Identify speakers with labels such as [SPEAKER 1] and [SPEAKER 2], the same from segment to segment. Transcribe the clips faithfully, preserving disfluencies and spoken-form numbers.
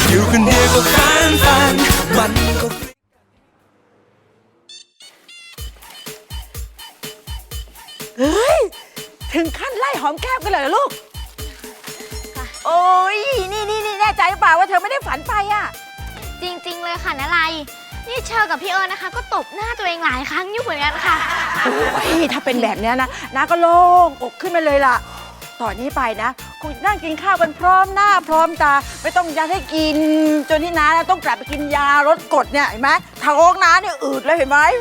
[SPEAKER 1] อยู่คนเดียวก็ฟันฟันมันก็
[SPEAKER 2] เฮ้ยถึงขั้นไล่หอมแก้มกันเลยเหรอลูกโอ้ยนี่นี่นี่แน่ใจเปล่าว่าเธอไม่ได้ฝันไปอ่ะ
[SPEAKER 3] จริงๆเลยค่ะนาไลนี่เชอกับพี่เอิญนะคะก็ตบหน้าตัวเองหลายครั้งอยู่เหมือนกันค่ะ
[SPEAKER 2] โอ้ยถ้าเป็นแบบนี้นะน้าก็โล่งอกขึ้นมาเลยล่ะตอนนี้ไปนะคงนั่งกินข้าวกันพร้อมหน้าพร้อมตาไม่ต้องยัดให้กินจนที่น้าต้องกลับไปกินยาลดกรดเนี่ยเห็นไหมท้องน้าเนี่ยอืดเลยเห็นไหม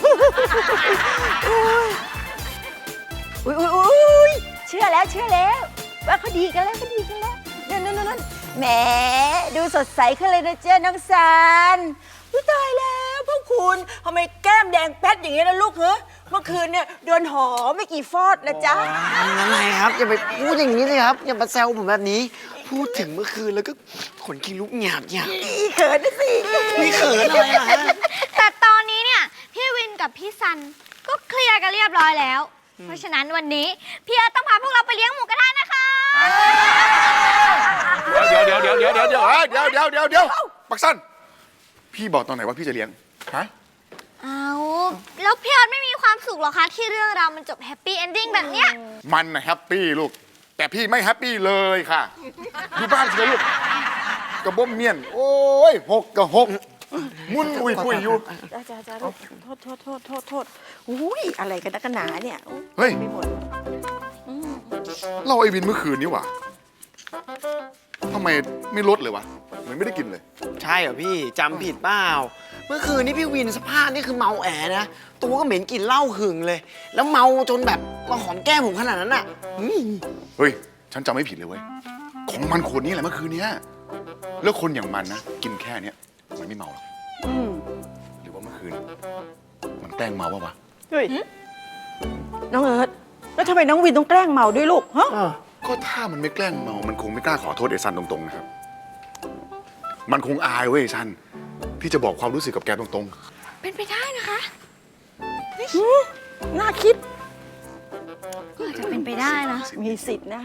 [SPEAKER 2] อุ้ยอุ้ยอุ้ยเชื่อแล้วเชื่อแล้วว่าเขาดีกันแล้วเขาดีกันแล้วนั่นนั่นนั่นแหมดูสดใสขึ้นเลยนะเจ้าน้องซันอุ้ยตายแล้วพวกคุณทำไมแก้มแดงแป๊ดอย่างนี้นะลูกเหรอเมื่อคืนเนี่ยโดนหอมไม่กี่ฟอดนะจ๊ะ
[SPEAKER 4] อะไรครับอย่าไปพูดอย่างนี้เลยครับอย่ามาแซวผมแบบนี้พูดถึงเมื่อคืนแล้วก็ขนขี้ลุกหยาบหยาบ
[SPEAKER 2] อีเขินนะสิ
[SPEAKER 4] มีเขินอะไรล่ะ
[SPEAKER 3] แต่ตอนนี้เนี่ยพี่วินกับพี่ซันก็เคลียร์กันเรียบร้อยแล้วเพราะฉะนั้นวันนี้พี่เอิร์ธต้องพาพวกเราไปเลี้ยงหมูกระทะนะคะ
[SPEAKER 5] เดี๋ยวเดี๋ยวเดี๋ยวเดี๋ยวเดี๋ยวเดี๋ยวเดี๋ยวเดี๋ยวเดี๋ยวเดี๋ยวปักสั้นพี่บอกตอนไหนว่าพี่จะเลี้ยงฮะ
[SPEAKER 3] เอาแล้วพี่เอิร์ธไม่มีความสุขหรอคะที่เรื่องราวมันจบแฮปปี้เอนดิ้งแบบเนี้ย
[SPEAKER 5] มันนะแฮปปี้ลูกแต่พี่ไม่แฮปปี้เลยค่ะอยู่บ้านเฉยลูกกระบ้มเมียนโอ้ยหกกระหกมุนปุยปุยอยู่
[SPEAKER 2] จ้าจ้าจ้าโทษโทษโทษโทษโทษอุ้ยอะไรกันนักหนาเนี่ย
[SPEAKER 5] เฮ้ยเราไอ้วินเมื่อคืนนี้วะทำไมไม่ลดเลยวะเหมือนไม่ได้กินเลย
[SPEAKER 4] ใช่เหรอพี่จำผิดเปล่าเมื่อคืนนี้พี่วินสภาพนี่คือเมาแอนะตัวก็เหม็นกลิ่นเหล้าหึงเลย แล้วเมาจนแบบมาหอมแก้มผมขนาดนั้นอ่ะ
[SPEAKER 5] เฮ้ยฉันจำไม่ผิดเลยเว้ยของมันขวดนี้แหละเมื่อคืนนี้แล้วคนอย่างมันนะกินแค่เนี้ยมันไม่เมาหรอกหรือว่าเมื่อคืนมันแกล้งเมาปะวะ
[SPEAKER 2] เฮ้ยน้องเอิร์ธแล้วทำไมน้องวินต้องแกล้งเมาด้วยลูกฮะ
[SPEAKER 5] ก็ถ้ามันไม่แกล้งเมามันคงไม่กล้าขอโทษไอ้ซันตรงๆนะครับมันคงอายเว้ยซันที่จะบอกความรู้สึกกับแกตรง
[SPEAKER 3] ๆเป็นไปได้นะคะ
[SPEAKER 2] น่าคิด
[SPEAKER 3] ก็อาจจะเป็นไปได้นะ
[SPEAKER 2] มีสิทธิ์นะ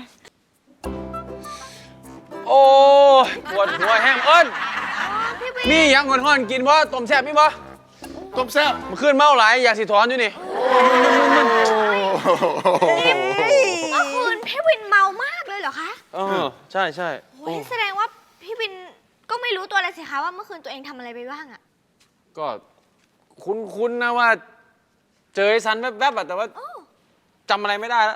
[SPEAKER 6] โอ้ปวดหัวแห้งเอิ้นมียังคนห่อนกินบ่ต้มแซ่บมีบ่
[SPEAKER 5] ต้มแซ่บ
[SPEAKER 6] มันขึ้นเมาหลายอยากสิถอนอยู่นี่
[SPEAKER 3] เมื่อคืนพี่วินเมามากเลยเหรอคะ
[SPEAKER 6] เออใช่ใช่
[SPEAKER 3] โอ้ยแสดงว่าพี่วินก็ไม่รู้ตัวเลยสิคะว่าเมื่อคืนตัวเองทำอะไรไปบ้างอ่ะ
[SPEAKER 6] ก็คุ้นๆนะว่าเจอไอ้ซันแวบๆแต่ว่าจำอะไรไม่ได้แล้ว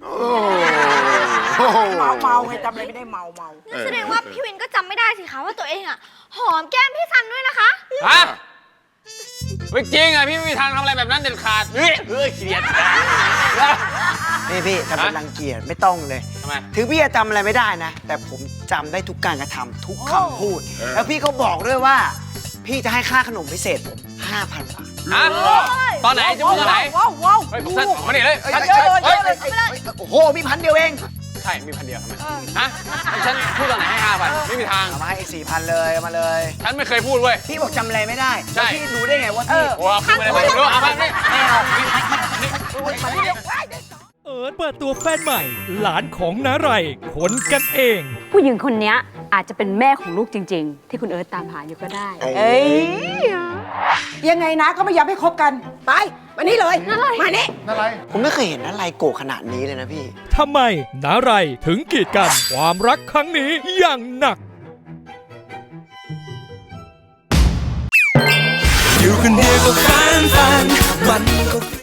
[SPEAKER 2] เมาเมาไงจำอะไรไม่ได้เมาเมา
[SPEAKER 3] แสดงว่าพี่วินก็จำไม่ได้สิคะว่าตัวเองอ่ะหอมแก้มพี่ซันด้วยนะคะ
[SPEAKER 6] ฮะไม่จริงอ่ะพี่ไม่มีทางทำอะไรแบบนั้นเด็ดขาดเฮ้ยเฮ้ยเกลียด
[SPEAKER 4] พี่พี่ทำเป็นรังเกียจไม่ต้องเลย
[SPEAKER 6] ทำไม
[SPEAKER 4] ถึงพี่จะจำอะไรไม่ได้นะแต่ผมจำได้ทุกการกระทำทุกคำพูดแล้วพี่ก็บอกด้วยว่าพี่จะให้ค่าขนมพิเศษผมห้าพันบาท
[SPEAKER 6] ฮะตอนไหนจะพูดตอนไหน
[SPEAKER 2] ว้าวว้าว
[SPEAKER 6] เฮ้ยผมสั้นมาดิเลย
[SPEAKER 4] โอ้โหมีพันเดียวเอง
[SPEAKER 6] ใช่มีพันเดียวทำไมฮะฉันพูดตอนไหนให้ห้าพันไม่มีทาง
[SPEAKER 4] เอามาให้สี่พันเลยเอามาเลย
[SPEAKER 6] ฉันไม่เคยพูดเว้ย
[SPEAKER 4] พี่บอกจำอะไรไม่ได้
[SPEAKER 6] ใช่
[SPEAKER 4] พี่รู้ได้ไงว่าพี่
[SPEAKER 6] โอ้ขึ้นมาเลยไม่รู้เอาไปไม่เอา
[SPEAKER 7] เอิร์ธเปิดตัวแฟนใหม่หลานของน้าไรคนกันเอง
[SPEAKER 8] ผู้หญิงคนนี้อาจจะเป็นแม่ของลูกจริงๆที่คุณเอิร์ธตามหาอยู่ก็ได้
[SPEAKER 2] เอ้ยยังไงนะก็ไม่ยอมให้คบกันไปวันนี้เลยมานี่
[SPEAKER 5] อะไร
[SPEAKER 4] ผมไม่เคยเห็นอะไรโกรธขนาดนี้เลยนะพี่
[SPEAKER 7] ทำไมน้าไรถึงกีดกันความรักครั้งนี้อย่างหนัก
[SPEAKER 1] อยู่คนเดียวก็ฟันฟันมันก็